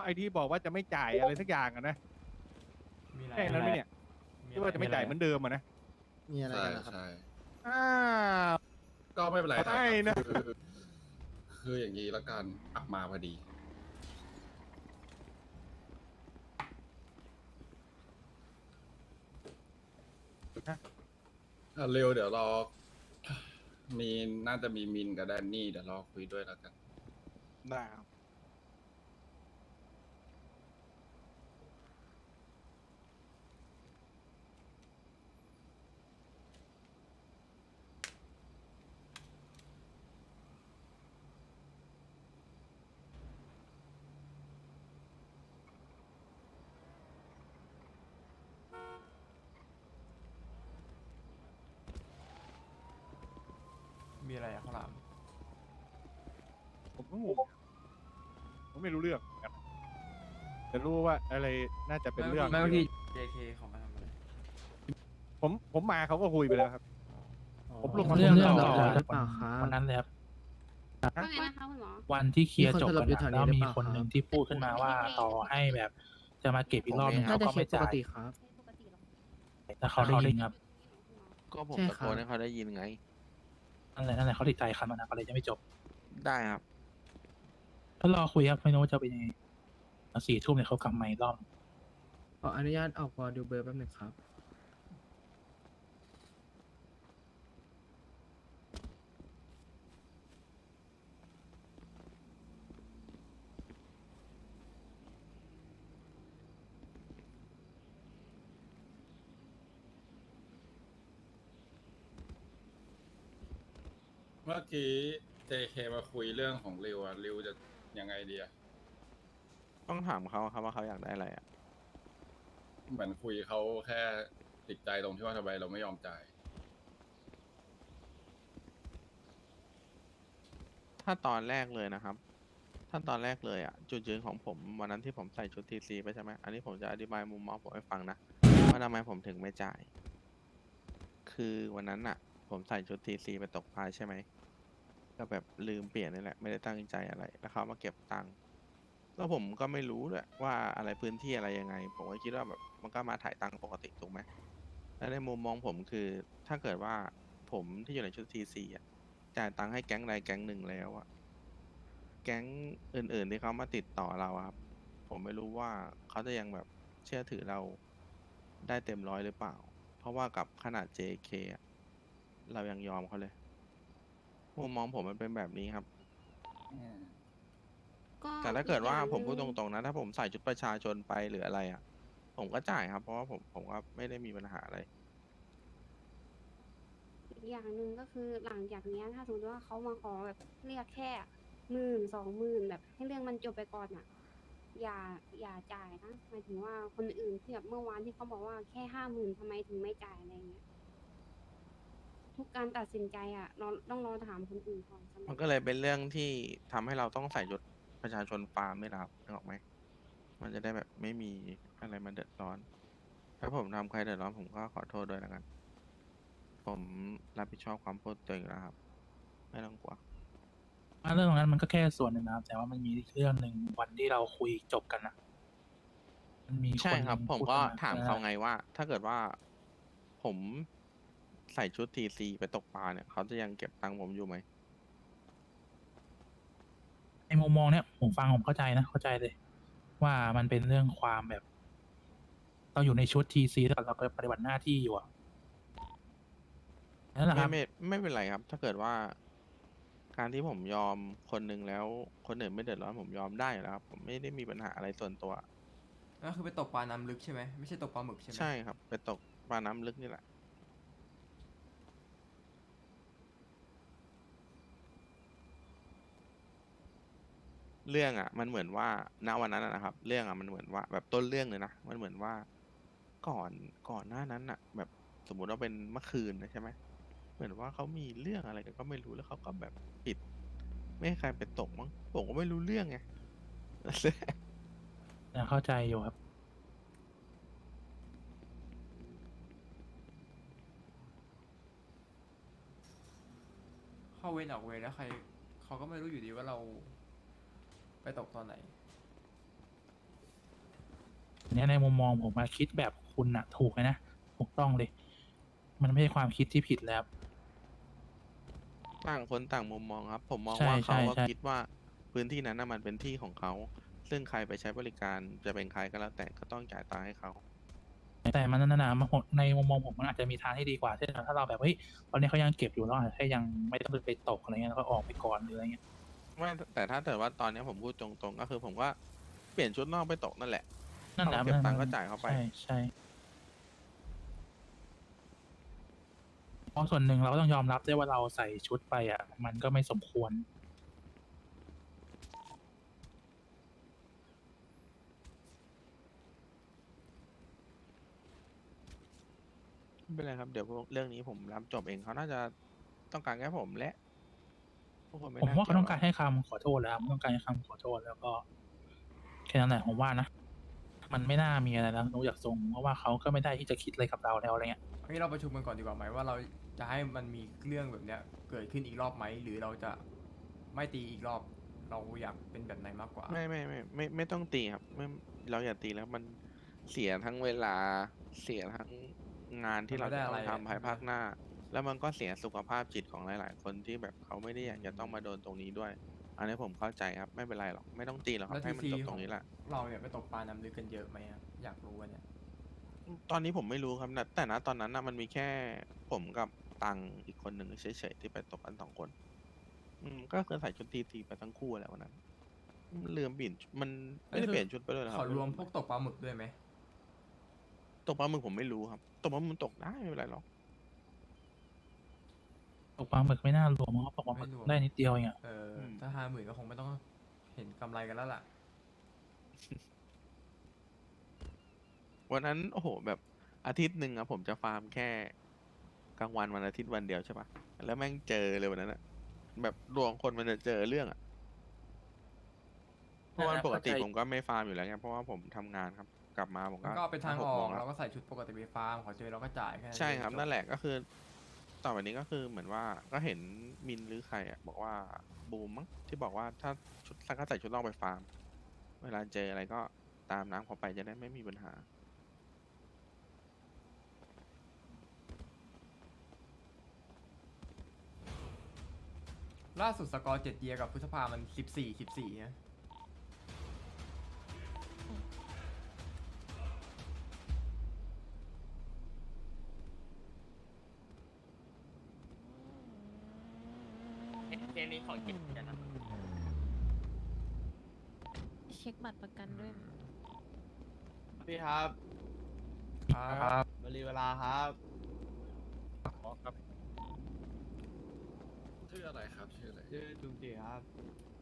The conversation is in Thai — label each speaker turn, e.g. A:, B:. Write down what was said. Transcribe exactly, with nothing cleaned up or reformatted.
A: ไอ้ที่บอกว่าจะไม่จ่ายอะไรสักอย่างอะนะแค่นั้นไหมเนี่ยที่ว่าจะไม่จ่ายเหมือนเดิมอะนะ
B: มีอะไร
C: ใช่
B: กันนะครับ
C: ใช่
A: อ้าว
C: ก็ไม่เป็นไรครับ
A: ได้นะ
C: คือคืออย่างนี้ละกันอักมาพอดีอ่ะเร็วเดี๋ยวรอ มีน่าจะมีมินกับแดนนี่เดี๋ยวรอคุยด้วยแล้วกัน
A: ได้ครับ
D: มีอะไรอะข้าวหลาม
A: ผมก็งงผมไม่รู้เรื่องเหมือนกันแต่รู้ว่าอะไรน่าจะเป็นเรื่อง
D: ไม่บางที เจ เค เขามาทำอะไร
A: ผมผมมาเขาก็คุยไปแล้วครับ ผมลงมา
E: เรื่อง
A: ผม
E: เรื่อง
A: ต่
E: ต่
A: อ
E: อ
B: หรือเปล่าครับ
E: วันนั้นเลยครับ
F: ว่าไงนะคะคุณหมอ
E: วันที่เคลียร์จบ
B: มีคนสล
E: กับ น
B: อยู่แถว
E: อะ
B: นี้
E: แล้ว
B: หรือ
E: มี
B: เปล่า
E: คนหนึ่ง
B: ครับ
E: ที่พูดขึ้นมาว่าต่อให้แบบจะมาเก็บอีกรอบนึง
B: น่า
E: เขา
B: จะ
E: ก็
B: เค
E: ไม่
B: สปก
E: จ่าย
B: ติครับ
E: แต่เขาได้ยินครับ
G: ก็ผม
B: ใช่
G: ตะ
B: ครั
G: โก
B: บ
G: นให้เขาได้ยินไง
E: นั่นแหละนั่นแหละเขาติดใจคำนั้นนะก็เลยจะไม่จบ
G: ได้ครับ
E: ก็รอคุยครับไม่รู้ว่าจะเป็นยังไงสี่ทุ่มเนี่ยเขากลับมาอีกรอบ
B: ขออนุญาตออกวอลดูเบอร์แป๊บหนึงครับ
C: เมื่อกี้ เจ เค มาคุยเรื่องของริวอะริวจะยังไงดีอะ
G: ต้องถามเขาครับว่าเขาอยากได้อะไรอ่ะ
C: เหมือนคุยเขาแค่ติดใจตรงที่ว่าทำไมเราไม่ยอมจ่าย
G: ถ้าตอนแรกเลยนะครับ ถ้าตอนแรกเลยอ่ะ จุดยืนของผมวันนั้นที่ผมใส่ชุดทีซีไปใช่ไหม อันนี้ผมจะอธิบายมุมมองผมให้ฟังนะว่าทำไมผมถึงไม่จ่าย คือวันนั้นอ่ะ ผมใส่ชุดทีซีไปตกปลาใช่ไหม ก็แบบลืมเปลี่ยนนี่แหละ ไม่ได้ตั้งใจอะไร แล้วเขามาเก็บตังค์ แล้วผมก็ไม่รู้ด้วยว่าอะไรพื้นที่อะไรยังไง ผมก็คิดว่าแบบมันก็มาถ่ายตังค์ปกติถูกไหม และในมุมมองผมคือถ้าเกิดว่าผมที่อยู่ในชุดทีซีอ่ะจ่ายตังค์ให้แก๊งใดแก๊งหนึ่งแล้วอ่ะแก๊งอื่นๆที่เขามาติดต่อเราอะครับ ผมไม่รู้ว่าเขาจะยังแบบเชื่อถือเราได้เต็มร้อยหรือเปล่า เพราะว่ากับขนาด เจ เค อะเรายังยอมเขาเลย มุมมองผมมันเป็นแบบนี้ครับ
F: ก็
G: แต่ถ้าเกิดว่า
F: อีอย่ง
G: ผมพูด
F: ห
G: ต
F: นึ่ง
G: รงๆนะ ถ้าผมใส่ชุดประชาชนไปหรืออะไรอ่ะ ผมก็จ่ายครับ เพราะว่าผมผมก็ไม่ได้มีปัญหาอะไร
F: อีกอย่างหนึ่งก็คือหลังจากเนี้ยถ้าสมมติว่าเขามาขอแบบเรียกแค่หมื่นสองหมื่นแบบให้เรื่องมันจบไปก่อนอ่ะ อย่าอย่าจ่ายนะหมายถึงว่าคนอื่นที่แบบเมื่อวานที่เขาบอกว่าแค่ห้าหมื่นทำไมถึงไม่จ่ายอะไรเงี้ยทุกการตัดสินใจอ่ะเราต้องรอถามคนอื่นก่อนสำหรับ
G: มันก็เลยเป็นเรื่องที่ทำให้เราต้องใส่ชุดประชาชนฟาร์มไม่รับนึกออกไหม มันจะได้แบบไม่มีอะไรมาเดือดร้อน ถ้าผมทำใครเดือดร้อนผมก็ขอโทษด้วยแล้วกัน ผมรับผิดชอบความพูดตัวเองอยู่แล้วครับ ไม่ต้องกลัว
E: เรื่องตรงนั้นมันก็แค่ส่วนหนึ่งนะครับ แต่ว่ามันมีอีกเรื่องหนึ่งวันที่เราคุยจบกันนะมันมี
G: ใช่
E: นหนึ่ง
G: ครับ ผม
E: พูด
G: ก็
E: ขึ้น
G: ถามเขาไงว่า ถ้าเกิดว่าผมใส่ชุดทีซีไปตกปลาเนี่ย เขาจะยังเก็บตังค์ผมอยู่ไหม
E: ในมุมมองเนี้ยผมฟังผมเข้าใจนะเข้าใจเลย ว่ามันเป็นเรื่องความแบบ เราอยู่ในชุดทีซีแล้วเราก็ปฏิบัติหน้าที่อยู่อะนั่นแหละค
G: ไม่
E: รับ
G: ไม่ไม่เป็นไรครับ ถ้าเกิดว่า การที่ผมยอมคนหนึ่งแล้วคนอื่นไม่เดือดร้อนผมยอมได้อยู่แล้วครับ ผมไม่ได้มีปัญหาอะไรส่วนตัว
D: ก็คือไปตกปลาน้ำลึกใช่ไหมไม่ใช่ตกปลาหมึกใช่ไหม
G: ใช่ครับ ไปตกปลาน้ำลึกนี่แหละ เรื่องอ่ะ มันเหมือนว่าณวันนั้นอะนะครับ เรื่องอ่ะมันเหมือนว่าแบบต้นเรื่องเลยนะ มันเหมือนว่าก่อนก่อนหน้านั้นอ่ะ แบบสมมุติว่าเป็นเมื่อคืนนะใช่ไหมเหมือนว่าเขามีเรื่องอะไรกันก็ไม่รู้แล้วเขาก็แบบปิด ไม่ให้ใครไปตกมั้งผมก็ไม่รู้เรื่องไง
E: เข้าใจอยู่ครับ
D: เข้าเวรออกเวรแล้วใครเขาก็ไม่รู้อยู่ดีว่าเรา ไปตกตอนไหน
E: เนี้ยในมุมมองผมมาคิดแบบคุณอะถูกเลยนะถูกต้องเลย มันไม่ใช่ความคิดที่ผิดแล้ว
G: ต่างคนต่างมุมมองครับ ผมมอง
E: ใช่
G: ว่าเขา
E: ใช่
G: ว่า
E: ใช่
G: คิดว่าพื้นที่นั้นน่ะมันเป็นที่ของเขา ซึ่งใครไปใช้บริการจะเป็นใครก็แล้วแต่ก็ต้องจ่ายตังค์ให้เขา
E: แต่มันนั่นนะมันในมุมมองผมมันอาจจะมีทางที่ดีกว่าเช่นถ้าเราแบบเฮ้ยตอนนี้เขายังเก็บอยู่เราอาจจะแค่ยังไม่ต้องไปตกอะไรเงี้ยแล้วก็ออกไปก่อนหรืออะไรเงี้ย
G: ไม่แต่ถ้าเกิดว่าตอนเนี้ยผมพูดตรงๆ ก็คือผมว่าเปลี่ยนชุดนอกไปตกนั่นแหละ
E: นั่นแหละ
G: เขาเก็บตังค์ก็จ่ายเข้าไป
E: ใช่ใช่เพราะส่วนหนึ่งเราก็ต้องยอมรับด้วยว่าเราใส่ชุดไปอ่ะ มันก็ไม่สมควร
G: ไม่เป็นไรครับ เดี๋ยวพวกเรื่องนี้ผมรับจบเองเขาน่าจะต้องการแค่ผมและพวกคนไม่
E: ผม
G: น่
E: ว่าเขาต้องการ
G: ยว
E: ให้คำขอโทษแล้วครับต้องการให้คำขอโทษแล้วก็แค่นั้นแหละผมว่านะ มันไม่น่ามีอะไรแล้วรู้จากทรงเพราะว่าเขาก็ไม่ได้ที่จะคิดอะไรกับเราแล้วอะไรเงี้ย
D: อันนี้เราประชุมกันก่อนดีกว่าไหมว่าเราจะให้มันมีเรื่องแบบเนี้ยเกิดขึ้นอีกรอบไหมหรือเราจะไม่ตีอีกรอบ เราอยากเป็นแบบไหนมากกว่า
G: ไม่ไม่ไม่ไม่ไม่ต้องตีครับไม่เราอย่าตีแล้วมันเสียทั้งเวลาเสียทั้งงานที่เราจะต้องทำภายภาคหน้า แล้วมันก็เสียสุขภาพจิตของหลาย ๆ คนที่แบบเขาไม่ได้อยากจะต้องมาโดนตรงนี้ด้วย อันนี้ผมเข้าใจครับ ไม่เป็นไรหรอกไม่ต้องตีหรอกครั
D: แล้
G: บ
D: ว
G: ให้
D: ที
G: มัน
D: ซี
G: จบตรงนี้แหละ
D: เราเนี่ยไปตกปลาน้ำลึกกันเยอะไหมอะอยากรู้อันเนี่ย
G: ตอนนี้ผมไม่รู้ครับนะแต่นะตอนนั้นนะมันมีแค่ผมกับตังอีกคนหนึ่งเฉยๆที่ไปตกกันสองคน อืมก็คือใส่ชุดทีทีไปทั้งคู่แหละวันนั้นอืมลืมเปลี่ยนชุดมันไม่ได้เปลี่ยนชุดไปด้วยเหรอครั
D: ข
G: บ
D: อรวมพวกตกปลาหมึกด้วยไหม
G: ตกปลาหมึกผมไม่รู้ครับตกปลาหมึกมันตกได้ไม่เป็นไรหรอก
E: ตกปลาหมึกไม่น่ารวมเพราะว่าตกปลาหมึก
D: ไม่รวม
E: ได้นิดเดียวเองอะ
D: เอออ
G: ม
D: ถ้าห้าหมื่นก็คงไม่ต้องเห็นกำไรกันแล้วล่ะ
G: วันนั้นโอ้โหแบบอาทิตย์หนึ่งอะผมจะฟาร์มแค่กลางวันวันอาทิตย์วันเดียวใช่ปะแล้วแม่งเจอเลยวันนั้นอะแบบดวงคนมันจะเจอเรื่องอะเพราะวันปกติผมก็ไม่ฟาร์มอยู่แล้วไงเพราะว่าผมทำงานครับ กลับมาผม
D: มัน
G: ก็
D: ก็เป็นทาง
G: ห
D: อก
G: โม
D: อก
G: แล้ว
D: เราก็ใส่ชุดปกติไปฟาร์มขอเจอเราก็จ่ายแค่นั้น
G: ใช่ครับ
D: เองจ
G: นั่นแหละก็คือ ต่อไปนี้ก็คือเหมือนว่าก็เห็นมินหรือใครอะบอกว่าบูมมั้งที่บอกว่าถ้าชุดถ้าก็ใส่ชุดนอกไปฟาร์ม เวลาเจออะไรก็ตามน้ำเขาไปจะได้ไม่มีปัญหา
D: ล่าสุดสกอร์เจ็ดเยียกับพฤษภามันสิบสี่สิบสี่นะ
H: เกมนี้ของเก็บกันนะ
I: เช็คบัตรประกันด้วยนะ
H: พี่ครับ
D: ครับ
H: บริเวลาครับ
C: ชื่ออะไรครับชื่ออะไร
H: ชื่อจุงจีครับ